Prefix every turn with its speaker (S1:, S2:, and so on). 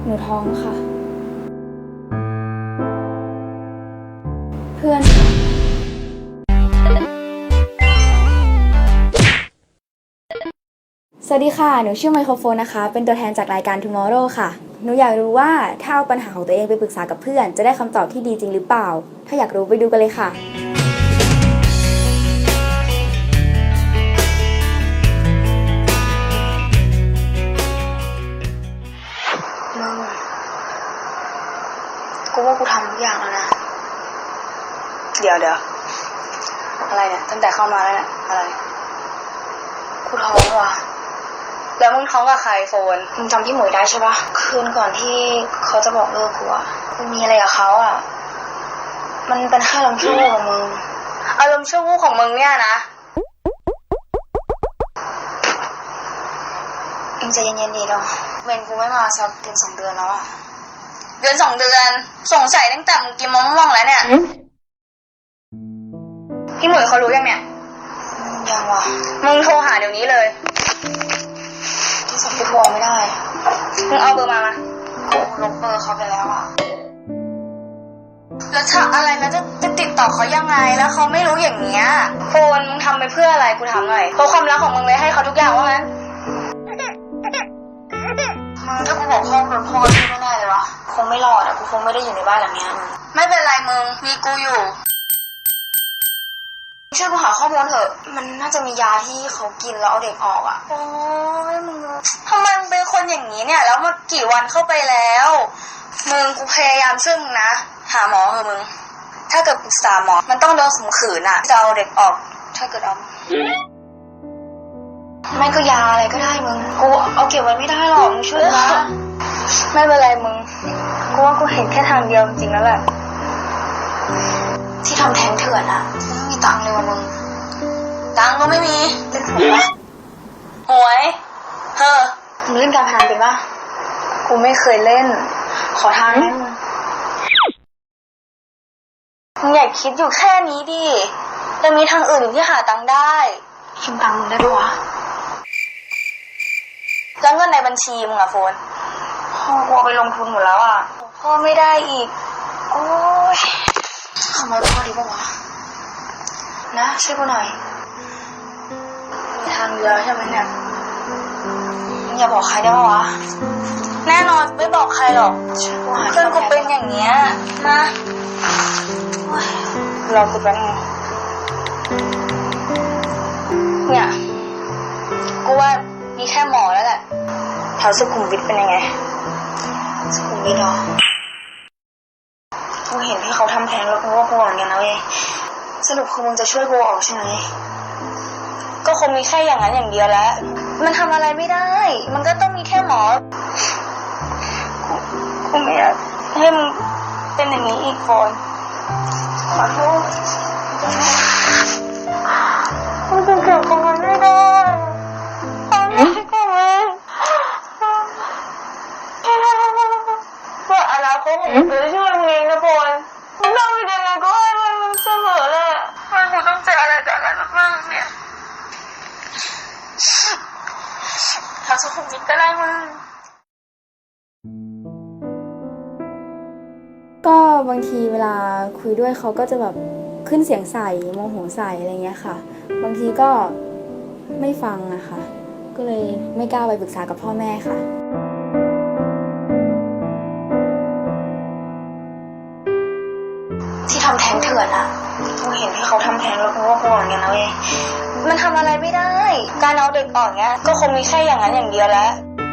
S1: หนูท้องค่ะเพื่อนสวัสดีค่ะหนูชื่อไมโครโฟนนะคะเป็นตัวแทนจากรายการ Tomorrow ค่ะหนูอยากรู้ว่าถ้าเอาปัญหาของตัวเองไปปรึกษากับเพื่อนจะได้คำตอบที่ดีจริงหรือเปล่าถ้าอยากรู้ไปดูกันเลยค่ะ
S2: มึงกูว่ากูทำทุกอย่างแล้วนะเดี๋ยวอะไรเนี่ยตั้งแต่เข้ามาแล้วเนี่ยอะไรกูท้องว่ะแล้วมึงท้องกับใครโฟนมึงจำพี่หมวยได้ใช่ปะคืนก่อนที่เขาจะบอกเลิกกูอะมึงมีอะไรกับเขาอะมันเป็นแค่ลมชั่ววูบของมึงอารมณ์ชั่ววูบของมึงเนี่ยนะมึงใจเย็นๆดีเนาะเวนกูไม่มาสักเดือน2 เดือนแล้วอะเดือน2 เดือนสงสัยตั้งแต่มึงกินมะม่วงแล้วเนี่ยพี่หมวยเขารู้ยังเนี่ยยังวะมึงโทรหาเดี๋ยวนี้เลยที่สักกูโทรไม่ได้มึงเอาเบอร์มากูลบเบอร์เขาไปแล้วอะแล้วถ้าอะไรแล้วจะติดต่อเขายังไงแล้วเขาไม่รู้อย่างเงี้ยโฟนมึงทำไปเพื่ออะไรกูถามหน่อยเพราะความรักของมึงเลยให้เขาทุกอย่างว่างั้นถ้ากูบอกพ่อโดนพ่อช่วยไม่ได้เลยวะคงไม่รอดอะกูคงไม่ได้อยู่ในบ้านหลังนี้ไม่เป็นไรมึงมีกูอยู่ช่วยกูหาข้อมูลเถอะมันน่าจะมียาที่เขากินแล้วเอาเด็กออกอะโอ้ยมึงทำไมมึงเป็นคนอย่างนี้เนี่ยแล้วมากี่วันเข้าไปแล้วมึงกูพยายามช่วยมึงนะหาหมอเถอะมึงถ้าเกิดปรึกษาหมอมันต้องโดนข่มขืนอะจะเอาเด็กออกถ้าเกิดเอาไม่ก็ยาอะไรก็ได้มึงกูเอาเก็บไว้ไม่ได้หรอกมึงช่วยนะไม่เป็นไรมึงกูว่ากูเห็นแค่ทางเดียวจริงๆแล้วแหละที่ทำแท้งเถื่อนอะไม่มีตังค์เลยวะมึงตังค์ก็ไม่มีเล่นหวยปะหวยมึงเล่นการพนันเป็นปะกูไม่เคยเล่นขอทางให้มึงอย่าคิดอยู่แค่นี้ดิยังมีทางอื่นที่หาตังค์ได้ยืมตังค์มึงได้ปะวะแล้วเงินในบัญชีมึงอะโฟนพ่อกูเอาไปลงทุนหมดแล้วอะพ่อไม่ได้อีกโอ้ยขโมยพ่อดีปะวะนะช่วยกูหน่อยมีทางเดียวใช่ไหมเนี่ยมึงอย่าบอกใครได้ปะวะแน่นอนไม่บอกใครหรอกเพื่อนกูเป็นอย่างเงี้ยนะรอกูแป๊บนึงเนี่ยกูว่ามีแค่หมอแล้วแหละแถวสุขุมวิทเป็นยังไงสุขุมวิทเหรอกูเห็นที่เขาทำแท้งแล้วกูว่ากูเหมือนกันนะเว้ยสรุปคือมึงจะช่วยกูออกใช่ไหมก็คงมีแค่อย่างนั้นอย่างเดียวแล้วมันทำอะไรไม่ได้มันก็ต้องมีแค่หมอกูไม่อยากให้มึงเป็นอย่างนี้อีกคนขอโทษมึงจะเก็บของมันไม่ได้ว่าอนาคตของมึงจะช่วยมึงเองนะพลมึงต้องเป็นยังไงก็ให้มันเสมอเลยมันกูต้องเจออะไรจากอะไรบ้างเนี่ยถ้าสุขุมวิทก็ได้มึง
S1: ก็บางทีเวลาคุยด้วยเขาก็จะแบบขึ้นเสียงใส่โมโหใส่อะไรเงี้ยค่ะบางทีก็ไม่ฟังนะคะก็เลยไม่กล้าไปปรึกษากับพ่อแม่ค่ะ
S2: ที่ทำแท้งเถื่อนอะกูเห็นที่เขาทำแท้งแล้วกูว่ากูเหมือนกันนะเว้ยมันทำอะไรไม่ได้การเอาเด็กออกเนี้ยก็คงมีแค่อย่างนั้นอย่างเดียวแล้ว